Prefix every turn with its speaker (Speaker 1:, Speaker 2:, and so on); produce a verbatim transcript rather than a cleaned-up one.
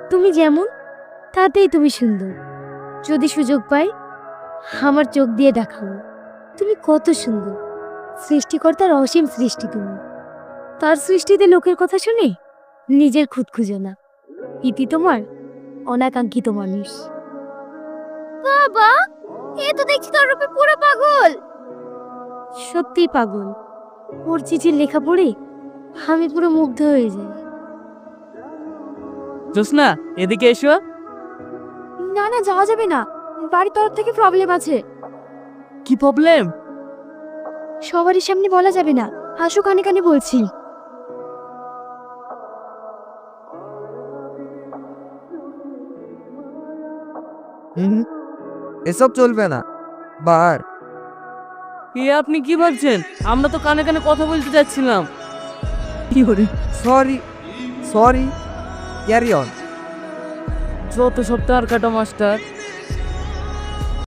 Speaker 1: তুমি যেমন তাতেই তুমি সুন্দর। যদি সুযোগ পাই আমার চোখ দিয়ে দেখাবো তুমি কত সুন্দর। সৃষ্টিকর্তার অসীম সৃষ্টি তুমি, তার সৃষ্টিতে লোকের কথা শুনে নিজের খুঁত খুঁজো না। ইতি তোমার অনাকাঙ্ক্ষিত মানুষ। বাবা, এ তো দেখছি তোর রূপে পুরো পাগল। সত্যি পাগল, ওর চিঠির লেখা পড়ে আমি পুরো মুগ্ধ হয়ে যাই।
Speaker 2: জোসনা, এদিকে এসো।
Speaker 1: না না, যাওয়া যাবে না, বাড়ির তরফ থেকে প্রবলেম আছে।
Speaker 2: কি প্রবলেম?
Speaker 1: সবারই সামনে বলা যাবে না, আসো কানে কানে বলছি।
Speaker 3: হুম, এসব চলবে না। বার
Speaker 2: এ আপনি কি ভাবছেন? আমরা তো কানে কানে কথা বলতে যাচ্ছিলাম। কি করে?
Speaker 3: Sorry sorry, carry on.
Speaker 2: যত সব তার কাটা মাস্টার।